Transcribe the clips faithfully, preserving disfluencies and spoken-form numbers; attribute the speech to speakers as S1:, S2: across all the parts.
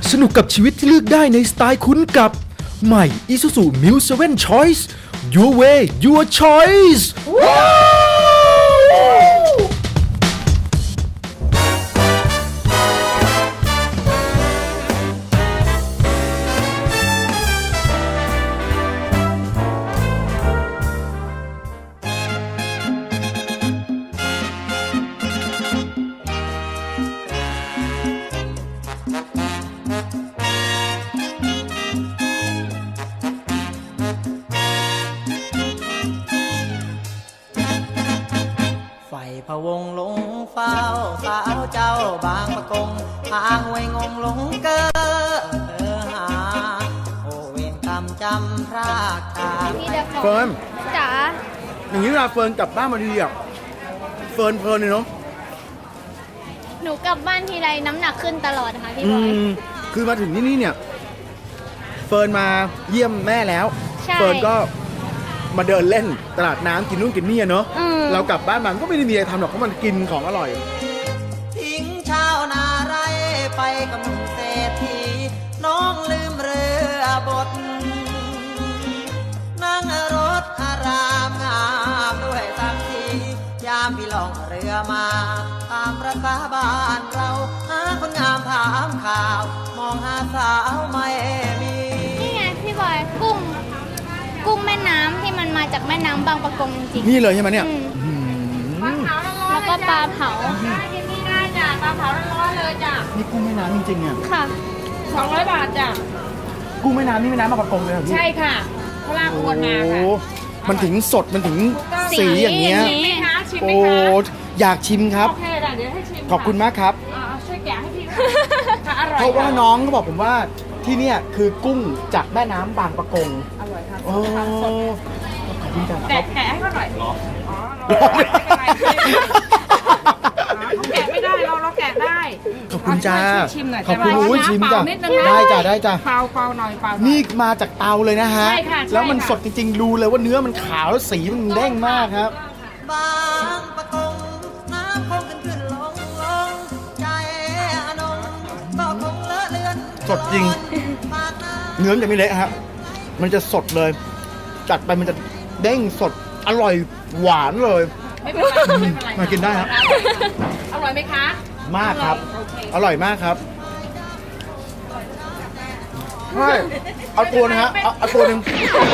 S1: สนุกกับชีวิตที่เลือกได้ในสไตล์คุ้นกับใหม่ Isuzu Mu เซเว่น Choice Your Way Your Choice
S2: พะวงหลงเฝ้าสาวเจ้าบางประกงทางไว้งงหลงเกอเออหาโอเวรกรรมจำพรากจาก
S3: เฟิร์น
S4: จ๋า
S3: อย่างนี้เวลาเฟิร์นกลับบ้านมาดีอ่ะเฟิร์นเพลินเลยเนาะ
S4: หนูกลับบ้านทีไรน้ำหนักขึ้นตลอดนะคะพี่
S3: อื
S4: บอย
S3: มคือมาถึงที่นี่เนี่ยเฟิร์นมาเยี่ยมแม่แล้ว
S4: ใช่
S3: เฟิร์นก็มาเดินเล่นตลาดน้ำกินนู่นกินนี่อะเนาะ
S4: อืม
S3: เรากลับบ้านมาก็ไม่ได้มีอะไรทำหรอกเพราะมันกินของอร่อย
S2: ทิ้งชาวนาไรไปกับหนุ่มเศรษฐีน้องลืมเรือบทนั่งรถอารามงามด้วยสักทียามพี่ล่องเรือมาตามประสาบ้านเราหาคนงามถามข่าว มองหาสาวไม่มี
S4: นี่ไงพี่บอยกุ้ง กุ้งแม่น้ำที่มันมาจากแม่น้ำบางปะกงจริง
S3: นี่เลยใช่ไหมเนี่ย
S4: อืม
S3: อืม
S4: แล้วก็ปลาเผา
S5: กินนี่ได้จ้ะปลาเผาร้อนๆเลยจ้ะ
S3: นี่กุ้งแม่น้ำจริงๆอ่ะ
S4: ค่ะ
S5: สองร้อยบาทจ้ะ
S3: กุ้งแม่น้ำนี่แม่น้ำมาปะกงเลยเหรอพี่
S5: ใช่ค่ะเขาลากอวนมาค่ะ
S3: โอ้มันถึงสดมันถึง
S4: สี
S3: สีอย่างเงี้ย
S4: อย่างงี้
S5: ชิมไหมคะชิมไหม
S3: โอ้
S5: คะ
S3: อยากชิมครับ
S5: โอเคจ้ะเดี๋ยวให้ชิม
S3: ขอบคุณมากครับ
S5: อ่าช่วยแกะให้พี่ค่ะอร่อย
S3: เพราะว่าน้องก็บอกผมว่าที่เนี่ยคือกุ้งจากแม่น้ำบางปะกง
S5: อร่อยค่ะ
S3: โอ้
S5: ค่ะสด
S3: ขอบคุณจ้ะ
S5: แกะแกะให้เขาหน่อยอ๋อเราไม่เป็นไรเขาแกะไม่ได้เราเราแกะได้
S3: ขอบคุณจ้า
S5: ช่วยชิมหน่อย
S3: ขอบคุณ
S5: แต่ว่า
S3: อุ้ย
S5: น้ำ
S3: ชิม
S5: เป
S3: จ้ะ
S5: ล่านิดนึงนะ
S3: ได้จ้ะได้จ้ะ
S5: เปล่าเปล่าหน่อยเปล่าหอย
S3: นี่มาจากเตาเลยนะฮะ
S5: ใช่ค่ะใช่
S3: แล้วมัน
S5: ค่ะ
S3: สดจริงๆ ดูเลยว่าเนื้อมันขาวแล้วสีมันเด้งมากครับ
S2: บางปะกงน้ำคงขึ้นขึ้นลงลงใจอนงก็คงเลอะเลือน
S3: สดจริง
S2: ปากน้ำ
S3: เนื้อมันจะไม่เละครับ มันจะสดเลย จัดไปมันจะเด้งสด อร่อยหวานเลย
S5: ไม่เป็นไรไม่เป็นไร
S3: มากินได้ครับ
S5: อร่อยไหมคะ
S3: มากครับ
S5: โอเค
S3: อร่อยมากครับใช่เอาตัวนะฮะ เอาเอาตัวหนึ่ง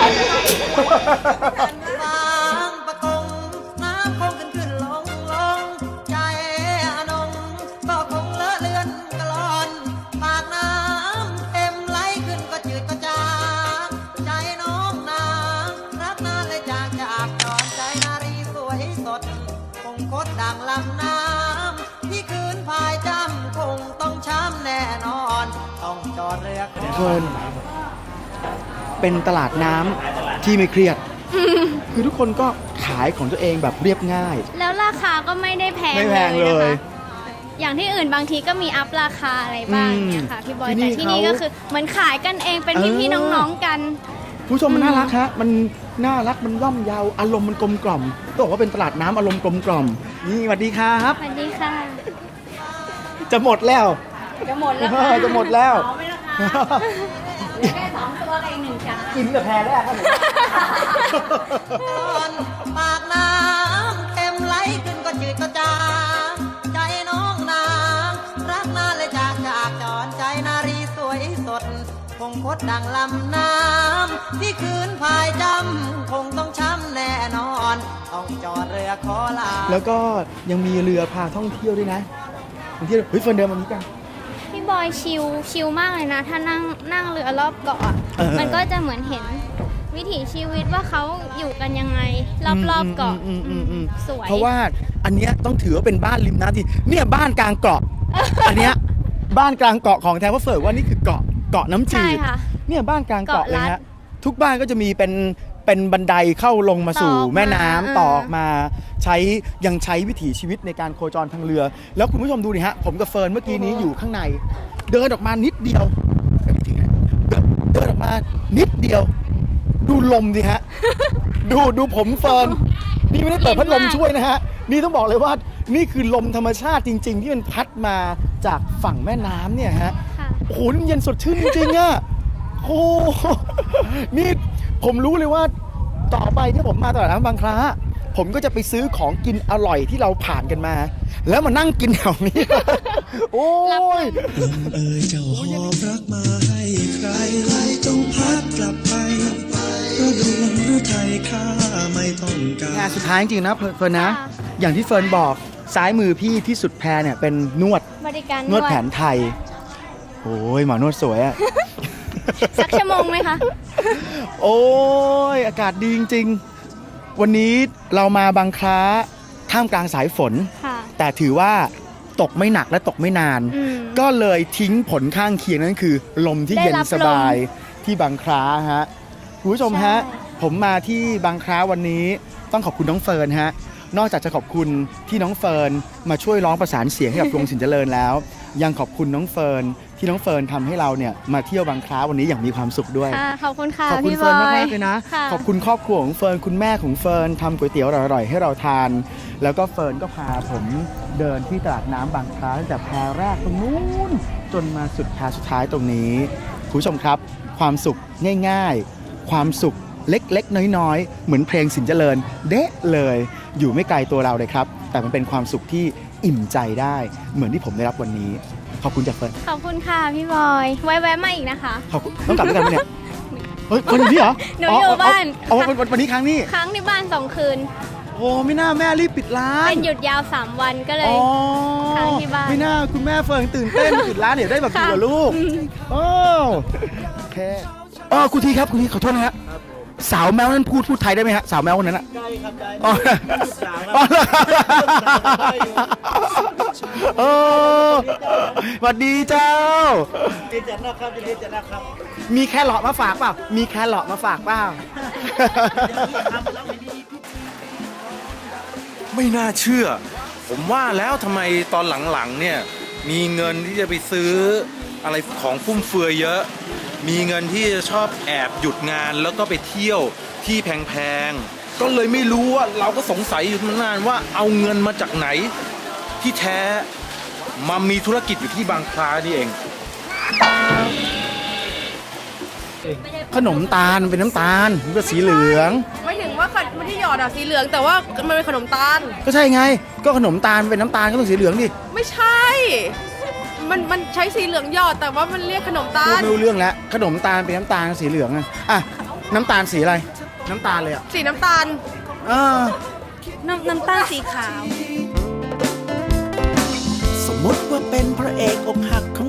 S2: บางปะกงน้ำคงขึ้นขึ้นลงลงใจอนงก็คงเลอะเลือนกลอนปากน้ำเต็มไหลขึ้นก็จืดก็จางใจน้องนางรักนานเลยจากจากจอนใจนารีสวยสดคงคดดังลำน้ำที่คืนพายจำคงต้องช้ำแน่นอน ต้องจอดเรือขอ
S3: เฟิร์นเป็นตลาดน้ำที่ไม่เครียด คือทุกคนก็ขายของตัวเองแบบเรียบง่าย
S4: แล้วราคาก็ไม่ได้แพง
S3: ไม่แพง
S4: เลย
S3: เลย
S4: นะคะอย่างที่อื่นบางทีก็มีอัพราคาอะไรบ้างเนี่ยค่ะพี่บอย
S3: ที่นี่
S4: แต่ที่นี่
S3: เขา
S4: ก็คือเหมือนขายกันเองเป็น
S3: เออ
S4: พี่ๆน้องๆกัน
S3: ผู้ชมมันน่ารักฮะ มันน่ารัก มันย่อมเยา อารมณ์มันกลมกล่อมต้องบอกว่าเป็นตลาดน้ำอารมณ์กลมกล่อม นี่สวัสดีครับ
S4: สวัสดีค่ะ
S3: จะหมดแล้ว
S5: จะหมดแล้ว
S3: เออจะหมดแล้ว
S5: เอาไหมล่ะคะเหลือแค่สองตัวกับอีกหนึ่งจาน
S3: กินแต่แพรแล้วครับผม
S2: ปากน้ำเต็มไหลขึ้นก็จืดก็จางใจน้องนางรักนานเลยจากจากจอนใจนารีสวยสด คงคดดังลำน้ำที่คืนพายจำคงต้องช้ำแน่นอน ต้องจอดเรือขอลา
S3: แล้วก็ยังมีเรือพาท่องเที่ยวด้วยนะท่องเที่ยวเฮ้ยเฟิร์นเดินมานี้กัน
S4: พี่บอยชิลชิลมากเลยนะ ถ้านั่งนั่งเรือรอบเกาะอะ
S3: เออ
S4: มันก็จะเหมือนเห็นวิถีชีวิตว่าเขาอยู่กันยังไง รอบๆเกาะ
S3: อืมอืมอืม
S4: สวย
S3: เพราะว่าอันเนี้ยต้องถือว่าเป็นบ้านริมน้ำที่เนี่ยบ้านกลางเกาะ อันเนี้ยบ้านกลางเกาะของแท้เพราะเฟิร์นว่านี่คือเกาะเกาะน้ำจื
S4: ใช่
S3: ด
S4: ค่ะ
S3: เนี่ยบ้านกลางเกาะเลย
S4: เกาะลั
S3: ฮะ
S4: ด
S3: ทุกบ้านก็จะมีเป็นเป็นบันไดเข้าลงมาสู่
S4: ต่อออกมา
S3: แม่น้ำ
S4: เออ
S3: ต่อออกมาใช้ยังใช้วิถีชีวิตในการโคจรทางเรือ แล้วคุณผู้ชมดูดิฮะผมกับเฟิร์นเมื่อกี้นี้อยู่ข้างใน เดินออกมานิดเดียวจริงๆนะเดินเดินออกมานิดเดียว ดูลมดิฮะ ดูดูผมเฟิร์นนี่ไม่ได้เปิดพัดลมช่วยนะฮะนี่ต้องบอกเลยว่านี่คือลมธรรมชาติจริง ๆ ที่มันพัดมาจากฝั่งแม่น้ำเนี่ยฮะ
S4: ค่ะ
S3: โอ้โหนี่มันเย็นสดชื่นจริงๆอะโอ้โหนี่ผมรู้เลยว่าต่อไปที่ผมมาตลาดน้ำบางคล้าผมก็จะไปซื้อของกินอร่อยที่เราผ่านกันมา แล้วมานั่งกินแถวนี้ โอ้ย
S6: เอ่ยเจ้าหอบรักมาให้ใครใครจงพัดกลับไปเพราะดวงฤทัยข้าไม่ต้องการ
S3: งานสุดท้ายจริงๆนะเฟิร์นนะ
S4: ค่ะ
S3: อย่างที่เฟิร์นบอกซ้ายมือพี่ที่สุดแพรเนี่ยเป็นนวด
S4: บริการ
S3: นวดแผนไทย โอ้ยหมอนวดสวยอะ
S4: สักชั่วโมงไหมคะ
S3: โอ้ยอากาศดีจริงๆ วันนี้เรามาบางคล้าท่ามกลางสายฝน
S4: ค่ะ
S3: แต่ถือว่าตกไม่หนักและตกไม่นาน
S4: อืม
S3: ก็เลยทิ้งผลข้างเคียงนั่นคือ ลมที่
S4: ได้
S3: เย็น
S4: รับ
S3: สบายที่บางคล้าฮะคุณผู้ชมฮะ
S4: ใช่
S3: ผมมาที่บางคล้าวันนี้ต้องขอบคุณน้องเฟิร์นฮะนอกจากจะขอบคุณที่น้องเฟิร์นมาช่วยร้องประสานเสียงให้กับ วงสินเจริญแล้ว ยังขอบคุณน้องเฟิร์นที่น้องเฟิร์นทำให้เราเนี่ยมาเที่ยวบางคล้าวันนี้อย่างมีความสุขด้วย
S4: ค่ะ ขอบคุณค่ะ
S3: ขอบคุณ
S4: พี่บ
S3: เฟิร์น
S4: อ
S3: มาก
S4: ย
S3: มากๆเลยนะ
S4: ค่ะ
S3: ขอบคุณครอบครัวของเฟิร์นคุณแม่ของเฟิร์นทำก๋วยเตี๋ยวอร่อยๆให้เราทาน แล้วก็เฟิร์นก็พาผมเดินที่ตลาดน้ำบางคล้าตั้งแต่แพรแรกตรงนู้นจนมาสุดแพรสุดท้ายตรงนี้คุณผู้ชมครับ ความสุขง่ายๆ ความสุขเล็กๆ น้อยๆ เหมือนเพลงสินเจริญเด๊ะเลย อยู่ไม่ไกลตัวเราเลยครับ แต่มันเป็นความสุขที่อิ่มใจได้เหมือนที่ผมได้รับวันนี้ขอบคุณจากเฟิร์น
S4: ขอบคุณค่ะพี่บอย ไว้แวะมาอีกนะคะ
S3: ขอบคุณต้องกลับด้วยกันไหมเนี่ยเฮ้ยคนอยู่นี่เหรอ
S4: หนูอยู่บ้าน
S3: อ๋ออ๋ออ๋อวันวันนี้ครั้งนี้
S4: ค้างที่บ้านสองคืน
S3: โอ้ไม่น่าแม่รีบปิดร้าน
S4: เป็นหยุดยาวสามวันก็เลย
S3: อ๋อ
S4: ค้างที่บ้าน
S3: ไม่น่าคุณแม่เฟิร์นตื่นเต้น ปิดร้านเดี๋ยวได้แบบอยู่กับลูกโอ้โอเคอ๋อคุณทีครับคุณทีขอโทษนะฮะสาวแมวนั้นพูดพูดไทยได้ไหมฮะสาวแมวคนนั้นอะได้ครับได้อ๋ออ๋อโอ้สวัสดีเจ้าดีจังนะครับดีจังนะครับ มีแครอทมาฝากเปล่ามีแครอทมาฝากเปล่า
S7: ไม่น่าเชื่อ ผมว่าแล้วทำไมตอนหลังๆเนี่ยมีเงินที่จะไปซื้ออะไรของฟุ่มเฟือยเยอะ มีเงินที่จะชอบแอบหยุดงานแล้วก็ไปเที่ยวที่แพงๆก็เลยไม่รู้ว่าเราก็สงสัยอยู่นานว่าเอาเงินมาจากไหน ที่แท้มามีธุรกิจอยู่ที่บางคล้านี่เอง
S3: ขนมตาลมันเป็นน้ำตาลมันก็สีเหลือง
S8: ไม่ถึงว่ามันที่หยอดอะสีเหลืองแต่ว่ามันเป็นขนมตาล
S3: ก็ใช่ไง ก็ขนมตาลเป็นน้ำตาลก็ต้องสีเหลืองดิ
S8: ไม่ใช่ มันมันใช้สีเหลืองหยอดแต่ว่ามันเรียกขนมตา
S3: พูด
S8: ล
S3: ไม่รู้เรื่องแล้วขนมตาลเป็นน้ำตาลสีเหลืองอะอ่ะน้ำตาลสีอะไร น้ำตาลเลยอ่ะ
S8: สีน้ำตาล
S3: เออ
S8: น้ำน้ำตาลสีขาว
S6: สมมติว่าเป็นพระเอกอกหักของ